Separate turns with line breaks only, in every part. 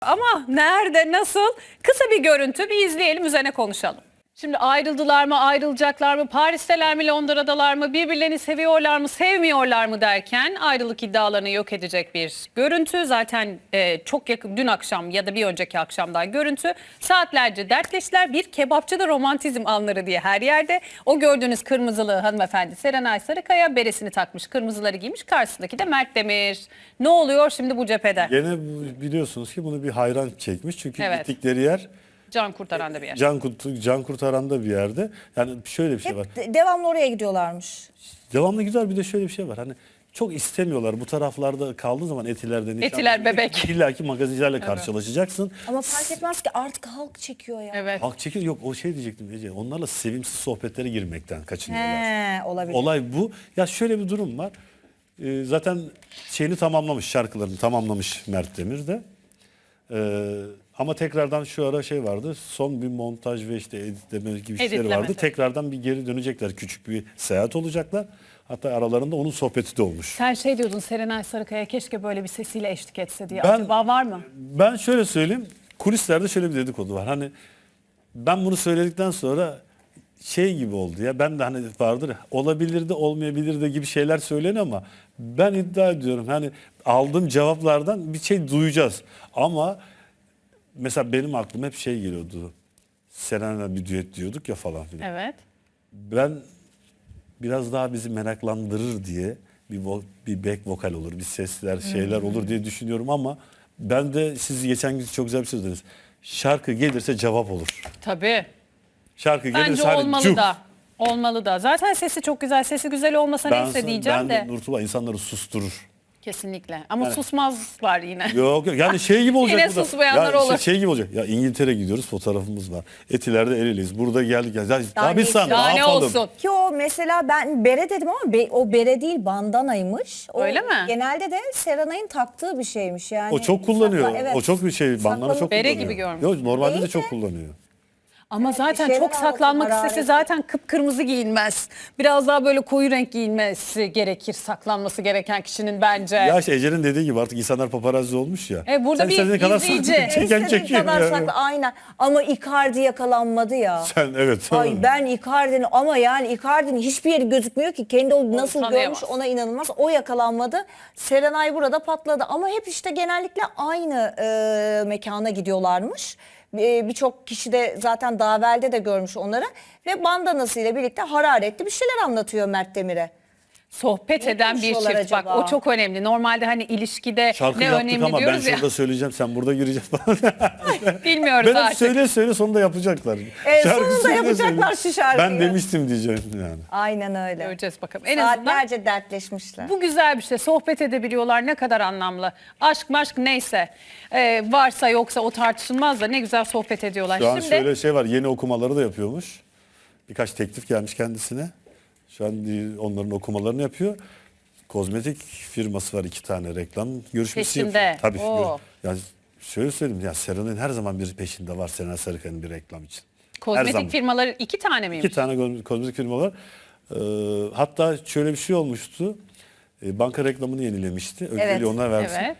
Ama nerede, nasıl? Kısa bir görüntü, bir izleyelim, üzerine konuşalım. Şimdi ayrıldılar mı, ayrılacaklar mı, Paris'teler mi, Londra'dalar mı, birbirlerini seviyorlar mı, sevmiyorlar mı derken ayrılık iddialarını yok edecek bir görüntü. Zaten çok yakın, dün akşam ya da bir önceki akşamdan görüntü. Saatlerce dertleştiler. Bir kebapçıda romantizm anları diye her yerde. O gördüğünüz kırmızılı hanımefendi Serenay Sarıkaya, beresini takmış, kırmızıları giymiş. Karşısındaki de Mert Demir. Ne oluyor şimdi bu cephede?
Gene biliyorsunuz ki bunu bir hayran çekmiş. Çünkü
Evet.
gittikleri yer
Can kurtaran da bir yer.
can kurtaran da bir yerde. Yani şöyle bir şey var.
Devamlı oraya gidiyorlarmış.
Devamlı güzel, bir de şöyle bir şey var. Hani çok istemiyorlar. Bu taraflarda kaldığı zaman Etiler'de nişan.
Etiler bebek.
İlla ki magazincilerle karşılaşacaksın.
Ama fark etmez ki artık halk çekiyor ya.
Evet.
Halk çekil yok, o şey diyecektim Ece. Onlarla sevimsiz sohbetlere girmekten kaçınıyorlar.
He, olabilir.
Olay bu. Ya şöyle bir durum var. Zaten şeyini tamamlamış, şarkılarını tamamlamış Mert Demir de. Ama tekrardan şu ara şey vardı. Son bir montaj ve işte editleme gibi şeyler
Editleme.
vardı. Tekrardan bir geri dönecekler. Küçük bir seyahat olacaklar. Hatta aralarında onun sohbeti de olmuş.
Sen şey diyordun, Serenay Sarıkaya keşke böyle bir sesiyle eşlik etse diye.
Ben-
Acaba var mı?
Ben şöyle söyleyeyim. Kulislerde şöyle bir dedikodu var. Hani ben bunu söyledikten sonra şey gibi oldu ya. Ben de hani vardır ya, olabilir de olmayabilir de gibi şeyler söyleniyor ama ben iddia ediyorum. Hani aldığım cevaplardan bir şey duyacağız. Ama mesela benim aklıma hep şey geliyordu. Serenay'la bir düet diyorduk ya falan filan.
Evet.
Ben biraz daha bizi meraklandırır diye bir back vokal olur, bir sesler, şeyler olur diye düşünüyorum ama ben de siz geçen gün çok güzel bir şey dediniz. Şarkı gelirse cevap olur.
Tabii.
Şarkı
Bence
gelirse hani
olmalı
cuk.
da. Olmalı da. Zaten sesi çok güzel. Sesi güzel olmasa neyse diyeceğim de.
Nurtuba insanları susturur.
Kesinlikle. Ama
Yani-
susmazlar yine.
Yok yok, yani şey gibi olacak.
Yine
bu da.
susmayanlar
Ya
olur.
Şey gibi olacak. Ya İngiltere gidiyoruz, fotoğrafımız var. Etiler'de el eleyiz. Burada geldik. Ya, daha bir
ne
san,
Daha
ne
ne
yapalım?
olsun?
Ki o mesela ben bere dedim ama o bere değil bandanaymış. O
Öyle mi?
Genelde de Serenay'ın taktığı bir şeymiş yani.
O çok kullanıyor.
Evet.
O çok bir şey. Bandana çok
Bere
kullanıyor.
gibi görmüş.
Yok, normalde de
Değil
çok
mi?
kullanıyor.
Ama zaten
şeyler
çok saklanmak
anlatıyor,
istese
hararetli.
zaten kıpkırmızı giyinmez. Biraz daha böyle koyu renk giyinmesi gerekir saklanması gereken kişinin bence.
Ya işte Ece'nin dediği gibi artık insanlar paparazzi olmuş ya.
Burada bir
istediğin kadar
izleyici.
çeken
İstediğin
çekiyor.
kadar
yani.
sakla aynen. Ama Icardi yakalanmadı ya.
Sen evet.
Ay ben Icardi'nin ama yani Icardi'nin hiçbir yeri gözükmüyor ki. Kendi o nasıl
tanıyamaz.
görmüş ona inanılmaz. O yakalanmadı. Serenay burada patladı. Ama hep işte genellikle aynı mekana gidiyorlarmış. Birçok kişi de zaten daha evvelde de görmüş onları. Ve bandanasıyla birlikte hararetli bir şeyler anlatıyor Mert Demir'e.
Sohbet
Ne
eden bir çift.
konuşuyorlar
Bak
acaba?
o çok önemli. Normalde hani ilişkide
Şarkı
ne
yaptık
önemli
ama ben
diyoruz ya.
şurada söyleyeceğim, sen burada gireceksin falan.
Bilmiyoruz
Ben hep
artık.
söyle sonunda yapacaklar.
Sonunda
söyle,
yapacaklar şu şarkıyı.
Ben demiştim diyeceğim yani.
Aynen öyle.
Göreceğiz bakalım. En azından
Saatlerce dertleşmişler.
bu güzel bir şey. Sohbet edebiliyorlar. Ne kadar anlamlı. Aşk maşk neyse. Varsa yoksa o tartışılmaz da ne güzel sohbet ediyorlar.
Şu an
Şimdi
şöyle şey var, yeni okumaları da yapıyormuş. Birkaç teklif gelmiş kendisine. Şu an onların okumalarını yapıyor. Kozmetik firması var, 2 tane reklam görüşmesi
Peşinde.
yapıyor. Tabii.
Oo.
Yani şöyle söyleyeyim, ya Serenay'ın her zaman bir peşinde var, Serenay Sarıkaya'nın bir reklam için. Her zaman.
kozmetik firmaları 2 tane miymiş?
2 tane kozmetik firma var. Hatta şöyle bir şey olmuştu. Banka reklamını yenilemişti. Önceliği
Evet,
ona versin.
evet.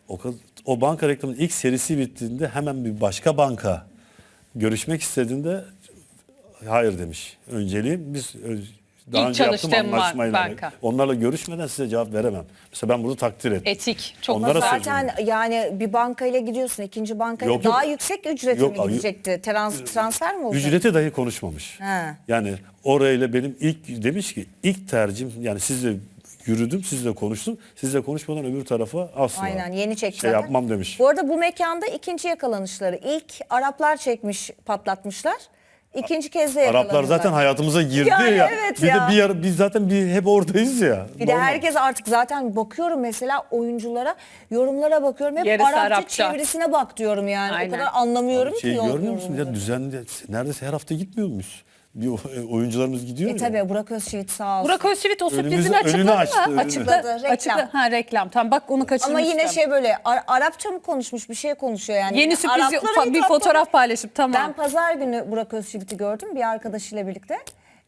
O banka reklamının ilk serisi bittiğinde hemen bir başka banka görüşmek istediğinde hayır demiş. Önceliğim biz daha
İlk
önce yaptığım
çalıştığım
anlaşmayla.
banka.
Onlarla görüşmeden size cevap veremem. Mesela ben bunu takdir ettim.
Etik. Çok
Onlara
güzel.
söyleyeyim.
Zaten yani bir bankayla gidiyorsun, ikinci bankayla
Yok, yok.
daha yüksek ücrete
Yok,
mi gidecekti? Transfer mi olacak?
Ücrete dahi konuşmamış.
He.
Yani orayla benim ilk demiş ki ilk tercihim, yani sizle yürüdüm, sizle konuştum. Sizle konuşmadan öbür tarafa asla
Aynen yeni
şey
çektiler.
yapmam demiş.
Bu arada bu mekanda ikinci yakalanışları. İlk Araplar çekmiş, patlatmışlar. İkinci kez de yakalanıyorlar.
Araplar zaten hayatımıza girdi
Yani
ya.
evet
bir
ya.
de bir ara, biz zaten hep oradayız ya.
Bir de
Normal.
herkes artık zaten bakıyorum mesela oyunculara, yorumlara bakıyorum. Hep
Yarısı
Arapça,
Arapça.
çevirisine bak diyorum yani.
Aynen.
O kadar anlamıyorum
Şey
ki.
görmüyor musun ya,
yorumları.
düzenli neredeyse her hafta gitmiyor muyuz? Bir oyuncularımız gidiyor ya.
Tabii Burak Özçivit sağ olsun.
Burak Özçivit o
Önümüzü-
sürprizini açıkladı
önünü
mı?
açtı, önünü.
Açıkladı, reklam.
Ha reklam. Tamam bak onu kaçırmıştım.
Ama yine şey böyle Arapça mı konuşmuş, bir şey konuşuyor yani.
Yeni sürpriz
Araplara
bir
hitap
fotoğraf paylaşıp tamam.
Ben pazar günü Burak Özçivit'i gördüm bir arkadaşıyla birlikte.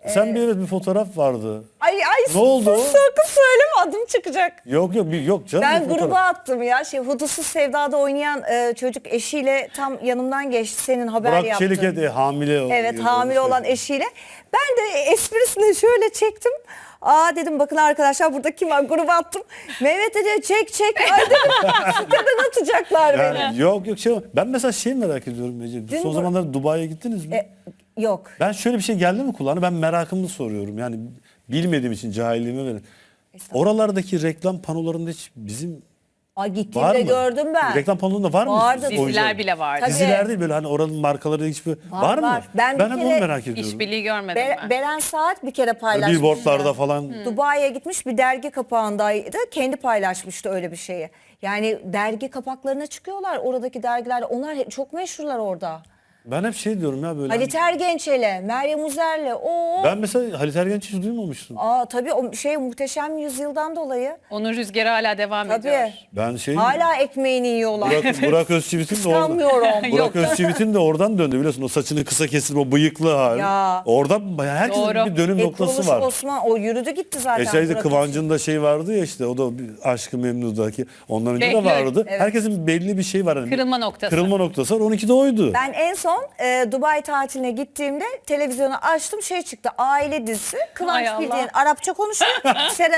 Sen bir fotoğraf vardı.
Ay
Ne oldu o?
sakın söyleme, adım çıkacak.
Yok yok canım.
Ben
bir fotoğraf.
gruba attım ya. Hudutsuz Sevda'da oynayan çocuk eşiyle tam yanımdan geçti. Senin haber
Burak
yaptın.
Çelik'e hamile.
Evet, hamile olan eşiyle. Ben de esprisine şöyle çektim. Aa dedim, bakın arkadaşlar burada kim var, gruba attım. Mehmet de diyor çek. Ay dedim, siteden atacaklar beni.
Yani, yok ben mesela merak ediyorum Ece.
Dün
Son
bu-
zamanlarda Dubai'ye gittiniz mi?
Yok.
Ben şöyle bir şey geldi mi kulağına, ben merakımı soruyorum. Yani bilmediğim için cahilliğime verin. Oralardaki reklam panolarında hiç bizim
Ay
var
gittiğimde
mı?
gördüm ben.
Reklam panolarında var mı?
Vardı.
oyuncular?
Diziler bile vardı.
Tabii.
Diziler değil, böyle hani oranın markaları hiçbir var mı?
var. Ben
Ben
bir
hep
kere
onu merak ediyorum.
İşbirliği görmedim ben.
Beren Saat bir kere paylaşmış.
Billboardlarda falan.
Dubai'ye gitmiş, bir dergi kapağındaydı. Kendi paylaşmıştı öyle bir şeyi. Yani dergi kapaklarına çıkıyorlar oradaki dergilerde. Onlar çok meşhurlar orada.
Ben hep diyorum ya böyle.
Halit Ergenç'le, Meryem Uzer'le.
Ben mesela Halit Ergenç'i hiç duymamıştım.
Tabii o Muhteşem Yüzyıl'dan dolayı.
Onun rüzgarı hala devam
Tabii.
ediyor.
Ben
Hala ekmeğini yiyorlar.
Burak Özçivit'in de oradan.
Kıskanmıyorum.
Burak Özçivit'in de oradan döndü biliyorsun. O saçını kısa kesip o bıyıklı hali.
Ya.
Oradan herkesin
Doğru.
bir dönüm noktası
Kuruluş
var.
Osman o yürüdü gitti zaten.
Şeyde
Burak
Kıvancı'nın da vardı ya işte, o da bir Aşk-ı Memnu'daki. Ondan önce
Behlül.
de vardı.
Evet.
Herkesin belli bir şey var. Hani
Kırılma noktası.
Kırılma noktası var. 12'de oydu.
Ben en son Dubai tatiline gittiğimde televizyonu açtım, çıktı, aile dizisi. Kıvanç
Hay Allah.
bildiğin Arapça konuşuyor. Serenay.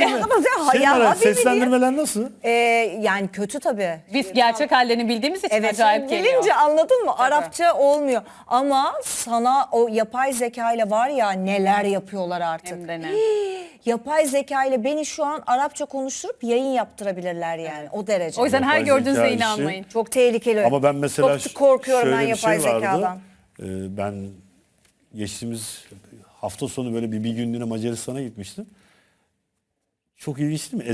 Seslendirmeler nasıl?
Yani kötü tabii.
Biz gerçek hallerini bildiğimiz için
Evet,
acayip
şimdi
geliyor.
bilince anladın mı? Arapça olmuyor. Ama sana o yapay zeka ile var ya, neler yapıyorlar artık.
Hem de ne.
Yapay zeka ile beni şu an Arapça konuşturup yayın yaptırabilirler yani, o derece.
O yüzden her
Yapay
gördüğünüzde
zeka işi.
inanmayın.
çok tehlikeli.
Ama ben mesela
çok korkuyorum ben
şöyle bir
yapay
şey vardı.
zekadan.
Ben geçtiğimiz hafta sonu böyle bir günlüğüne Macaristan'a gitmiştim. Çok ilginç değil mi?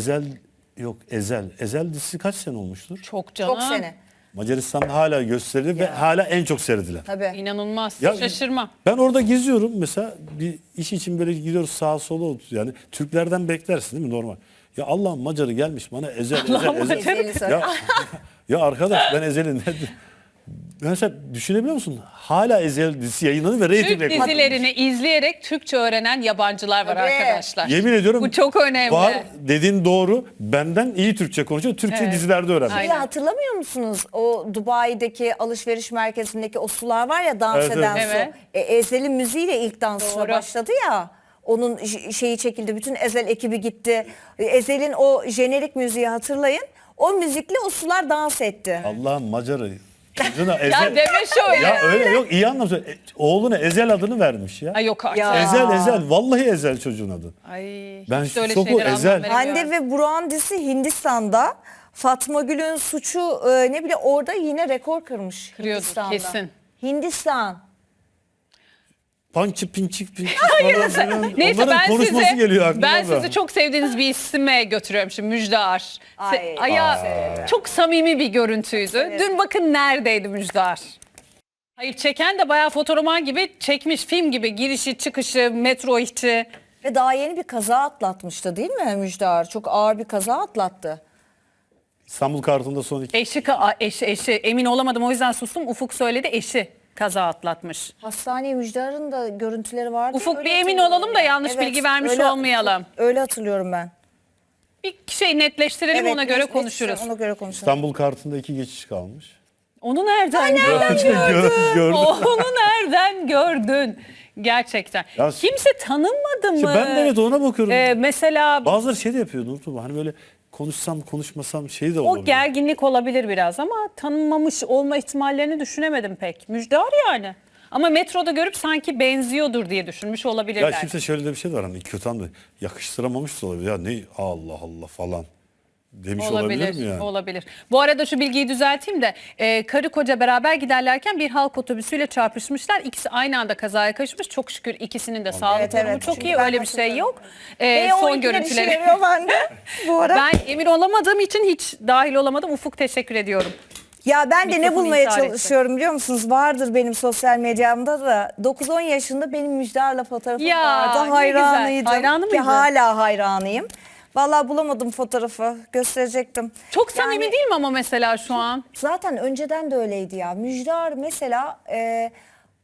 Ezel dizisi kaç sene olmuştur?
Çok canım.
Çok sene.
Macaristan'da hala gösterilir ve hala en çok seyredilen.
Tabii.
İnanılmaz.
Ya,
Şaşırma.
Ben orada geziyorum mesela, bir iş için böyle gidiyoruz sağa sola, yani Türklerden beklersin değil mi, normal. Ya Allah'ın Macarı gelmiş bana Ezel.
Ezeli söyle.
Ya arkadaş, ben Ezel'in mesela düşünebiliyor musun? Hala Ezel dizisi yayınlanıyor ve
Türk
reyting rekoru.
dizilerini izleyerek Türkçe öğrenen yabancılar var
Tabii.
arkadaşlar.
Yemin ediyorum.
Bu çok önemli.
Var, dediğin doğru. Benden iyi Türkçe konuşuyor. Türkçe
Evet.
dizilerde öğrendim.
Aynen.
Ya hatırlamıyor musunuz? O Dubai'deki alışveriş merkezindeki o sular var ya, dans
Evet,
eden
evet.
su. Ezel'in müziğiyle ilk dansına
Doğru.
başladı ya. Onun şeyi çekildi. Bütün Ezel ekibi gitti. Ezel'in o jenerik müziği hatırlayın. O müzikle o sular dans etti.
Allah'ın Macarı. Çocuğuna
Ya
Ezel.
deme şöyle.
Ya öyle yok, iyi anlamda. Oğluna Ezel adını vermiş ya.
Ay yok artık.
Ya.
Ezel. Vallahi Ezel çocuğun adı.
Ay,
Ben
hiç de öyle
şoku,
şeylere anlam
Ezel.
veremiyorum.
Hande ve Burak'ın dizisi Hindistan'da. Fatma Gül'ün suçu ne bile orada yine rekor kırmış.
Kırıyordur,
Hindistan'da.
kesin.
Hindistan.
Pinçik.
Neyse,
Onların konuşması geliyor aklıma
ben
da.
sizi çok sevdiğiniz bir isime götürüyorum şimdi, Müjdar.
Ay.
Çok samimi bir görüntüydü. Dün bakın neredeydi Müjdar. Hayır, çeken de bayağı fotoroman gibi çekmiş, film gibi, girişi çıkışı, metro işi.
Ve daha yeni bir kaza atlatmıştı değil mi Müjdar? Çok ağır bir kaza atlattı.
İstanbul Kartı'nda son iki.
Eşi emin olamadım, o yüzden sustum. Ufuk söyledi, eşi kaza atlatmış.
Hastaneye Müjdar'ın da görüntüleri vardı.
Ufuk,
Öyle
bir emin
hatırlıyorum
olalım da yanlış bilgi vermiş olmayalım.
Öyle hatırlıyorum ben.
Bir şey netleştirelim, ona göre
net-
konuşuruz.
Ona göre konuşuruz.
İstanbul Kartı'nda 2 geçiş kalmış.
Onu nereden gördün?
Gördüm.
Onu nereden gördün? Gerçekten.
Ya-
Kimse tanınmadı mı?
İşte ben de evet ona bakıyorum.
Mesela
Bazıları şey de yapıyor Nurtuğ, hani böyle konuşsam konuşmasam şey de
o
olabilir.
gerginlik olabilir biraz ama tanınmamış olma ihtimallerini düşünemedim pek. Müjdar yani. Ama metroda görüp sanki benziyordur diye düşünmüş olabilirler.
Ya kimse şöyle de bir şey var, hani kötü anda yakıştıramamış da olabilir. Ya ne Allah Allah falan demiş olabilir mi yani?
Olabilir. Bu arada şu bilgiyi düzelteyim de karı koca beraber giderlerken bir halk otobüsüyle çarpışmışlar. İkisi aynı anda kazaya karışmış. Çok şükür ikisinin de sağlık
Evet,
durumu
evet.
çok
Çünkü
iyi.
ben
Öyle bir şey
hatırlıyorum.
yok.
O
Son
ikiden işe
görüntüleri.
yarıyor bende bu ara.
Ben emin olamadığım için hiç dahil olamadım. Ufuk, teşekkür ediyorum.
Ya ben de ne
Mikrofonu
bulmaya
intihar etti.
çalışıyorum biliyor musunuz? Vardır benim sosyal medyamda da. 9-10 yaşında benim Müjdar'la fotoğrafım
Ya,
vardı.
ne
Hayranıydım.
güzel. Hayranı
Ve
mıydın?
hala hayranıyım. Vallahi bulamadım fotoğrafı. Gösterecektim.
Çok samimi
Yani-
değil mi ama mesela şu an?
Zaten önceden de öyleydi ya. Müjdar mesela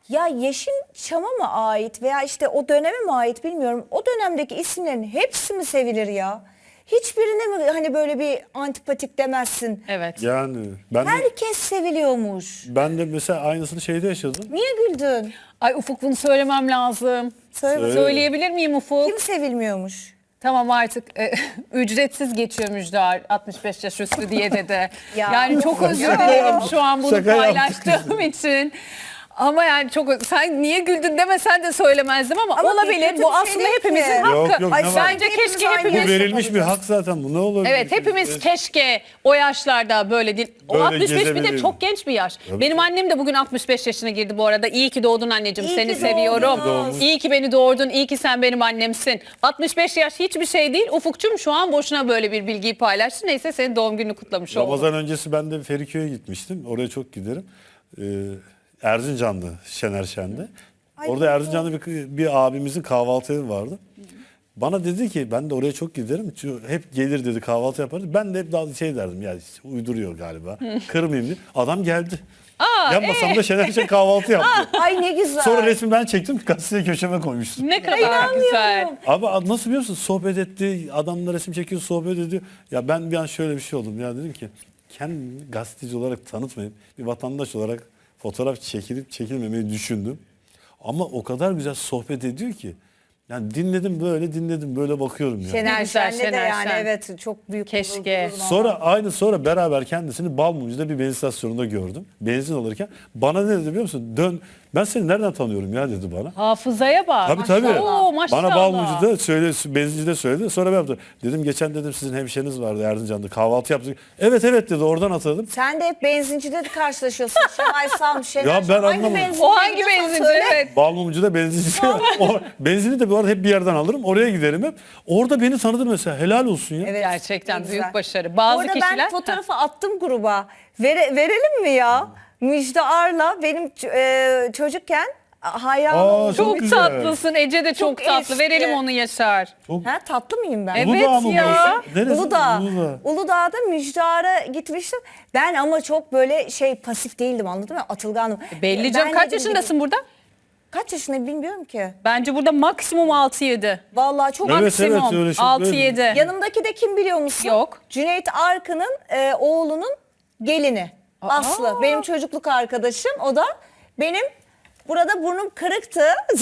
Ya Yeşilçam'a mı ait veya işte o döneme mi ait bilmiyorum. O dönemdeki isimlerin hepsi mi sevilir ya? Hiçbirine mi hani böyle bir antipatik demezsin?
Evet.
Yani ben de,
Herkes seviliyormuş.
ben de mesela aynısını şeyde yaşadım.
Niye güldün?
Ay Ufuk, bunu söylemem lazım.
Söyle.
Söyleyebilir miyim Ufuk?
Kim sevilmiyormuş?
Tamam artık ücretsiz geçiyor Müjdar 65 yaş üstü diye dedi.
Ya.
Yani çok özür dilerim şu an bunu
Şaka yaptık
paylaştığım için. Ama yani çok, sen niye güldün demesen de söylemezdim ama,
Ama
olabilir.
kötü
Bu
bir şey
aslında
değil
hepimizin
ki.
hakkı.
Yok, yok,
Ay,
ne var?
bence
Hepimiz
keşke
aynı
hepimiz...
Bu verilmiş bir hak zaten, bu ne olur?
Evet, hepimiz keşke o yaşlarda böyle değil. O
Böyle
65 bir de
gezebilirdim.
çok genç bir yaş.
Tabii
Benim
ki.
annem de bugün 65 yaşına girdi bu arada. İyi ki doğdun anneciğim.
İyi
Seni
ki
seviyorum.
doğdunuz.
İyi ki beni doğurdun. İyi ki sen benim annemsin. 65 yaş hiçbir şey değil. Ufukçum şu an boşuna böyle bir bilgiyi paylaştı. Neyse, senin doğum gününü kutlamış oldum.
Ramazan öncesi ben de Feriköy'e gitmiştim. Oraya çok giderim. Erzincan'dı, Şener Şen'de. Orada Erzincan'da bir abimizin kahvaltı evi vardı. Bana dedi ki, ben de oraya çok giderim. Çünkü hep gelir dedi, kahvaltı yaparız. Ben de hep daha şey derdim, ya işte uyduruyor galiba. Kırmayayım diye. Adam geldi. Yan masamda Şener Şen kahvaltı yaptı.
Ay ne güzel.
Sonra resmi ben çektim, gazeteye köşeme koymuştum.
Ne kadar güzel.
Abi nasıl biliyor musun? Sohbet etti. Adamla resim çekiyor, sohbet ediyor. Ya ben bir an şöyle bir şey oldum. Ya dedim ki, kendimi gazeteci olarak tanıtmayıp bir vatandaş olarak fotoğraf çekilip çekilmemeyi düşündüm. Ama o kadar güzel sohbet ediyor ki. Yani dinledim böyle bakıyorum ya.
Ne
Şener
güzel,
Şen'de de
Şener
yani
Şen.
evet çok büyük
Keşke.
Sonra beraber kendisini Balmumcu'da bir benzin istasyonunda gördüm. Benzin alırken bana ne dedi biliyor musun? Dön, ben seni nereden tanıyorum ya dedi bana.
Hafızaya bak.
Tabii.
Oo, maşallah.
Bana Balmumcu'da söyledi, benzincide söyledi. Sonra ben yaptım. Dedim geçen dedim sizin hemşeriniz vardı Erzincan'da, kahvaltı yaptık. Evet dedi, oradan hatırladım.
Sen de hep benzincide de karşılaşıyorsun. Şenay Sam, Şener
Ya ben
Şen. Hangi
anlamadım.
benzinciye
O hangi
gidiyorsan
benzinci?
söyle.
Evet.
Balmumcu'da benzinci. O benzini de bu arada hep bir yerden alırım. Oraya giderim hep. Orada beni tanıdı mesela. Helal olsun ya.
Evet,
Gerçekten
ne
büyük
güzel.
başarı. Bazı
Bu arada
kişiler...
ben fotoğrafı attım gruba. Verelim mi ya? Müjde Ar'la benim çocukken hayranım
Aa,
olduğum
Çok
Çok güzel.
tatlısın. Ece de çok
Çok
tatlı.
eski.
Verelim onu Yaşar.
Ha, tatlı mıyım ben?
Evet
Uludağ mı bu?
ya.
Neresi?
Uludağ.
Uludağ.
Uludağ'da Müjdar'a gitmiştim. Ben ama çok böyle pasif değildim, anladın mı? Atılganım.
Belli
Ben
canım. Kaç
dedim
yaşındasın burada?
Kaç yaşındayım bilmiyorum ki.
Bence burada maksimum 6-7.
Vallahi çok
Evet,
Maksimum
öyle çok
6-7.
Yanımdaki de kim biliyor musun?
Yok.
Cüneyt Arkın'ın oğlunun gelini. Aslı. Benim çocukluk arkadaşım. O da benim burada burnum kırıktı.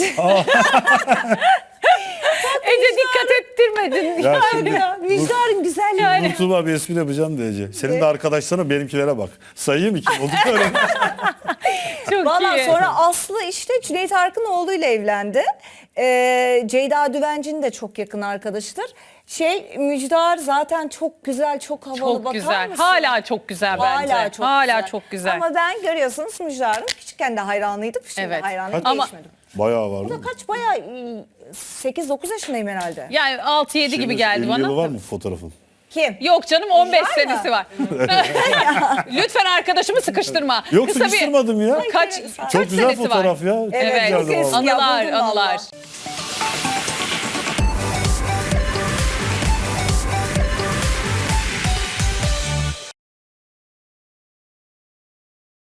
Ece dikkat ettirmedin.
Ya şimdi
Müjdar'ın güzelliği.
YouTube'a bir espri yapacağım diyece. Senin de arkadaşlarına benimkilere bak. Sayayım iki oldu öyle.
Çok
Valla
iyi.
sonra Aslı işte Cüneyt Arkın oğluyla evlendi. Ceyda Düvenci'nin de çok yakın arkadaşıdır. Müjdar zaten çok güzel, çok havalı,
Çok
bakar
güzel.
mısın?
Hala çok güzel bence.
Hala çok
Hala
güzel.
çok güzel.
Ama ben görüyorsunuz Müjdar'ın küçükken de hayranlıydım. Şimdi
Evet.
hayranlığım
Ama-
değişmedi.
Bayağı var.
Bu da kaç bayağı 8-9 yaşındayım herhalde.
Yani 6-7 gibi geldi
50
bana.
yılı var mı fotoğrafın?
Kim?
Yok canım, 15
Var mı?
senesi var. Lütfen arkadaşımı sıkıştırma.
Yok
Kısa bir-
sıkıştırmadım ya.
Kaç
Çok güzel
senesi var?
fotoğraf ya. Çok
Evet,
güzeldi
çok eski.
vallahi.
Anılar,
buldum vallahi.
anılar.